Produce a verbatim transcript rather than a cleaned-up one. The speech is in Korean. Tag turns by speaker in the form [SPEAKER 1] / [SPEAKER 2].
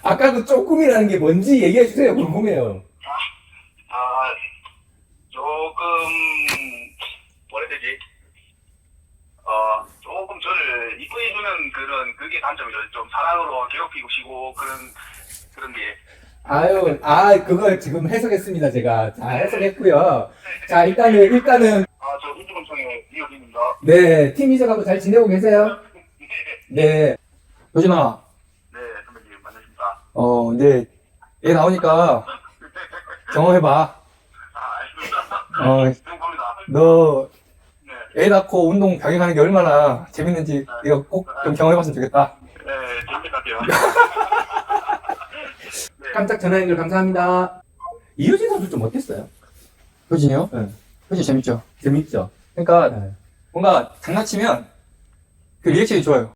[SPEAKER 1] 아까 그 조금이라는 게 뭔지 얘기해 주세요. 궁금해요.
[SPEAKER 2] 아, 조금, 뭐라 해야 되지? 어, 조금 저를 이뻐해주는 그런, 그게 단점이죠. 좀 사랑으로 괴롭히고 쉬고, 그런, 그런 게.
[SPEAKER 1] 아유, 아, 그걸 지금 해석했습니다, 제가. 자, 해석했고요. 자, 일단은, 일단은,
[SPEAKER 2] 아, 저 인주군청의 이호진입니다.
[SPEAKER 1] 네, 팀 이적하고 잘 지내고 계세요? 네.
[SPEAKER 3] 효진아,
[SPEAKER 2] 네, 선배님, 만나십니다.
[SPEAKER 3] 어, 이제 애 나오니까 경험해봐.
[SPEAKER 2] 아, 알겠습니다.
[SPEAKER 3] 어,
[SPEAKER 2] 행복합니다.
[SPEAKER 3] 너
[SPEAKER 2] 네,
[SPEAKER 3] 애 낳고 운동 병행하는 게 얼마나 재밌는지 이거 꼭 좀 경험해봤으면 좋겠다.
[SPEAKER 2] 네, 재밌을 것 같아요. 네.
[SPEAKER 1] 깜짝 전화 연결 감사합니다. 이효진 선수 좀 어땠어요?
[SPEAKER 3] 효진이요?
[SPEAKER 1] 네.
[SPEAKER 3] 효진 재밌죠?
[SPEAKER 1] 재밌죠?
[SPEAKER 3] 그러니까
[SPEAKER 1] 네.
[SPEAKER 3] 뭔가 장난치면 그 리액션이 좋아요.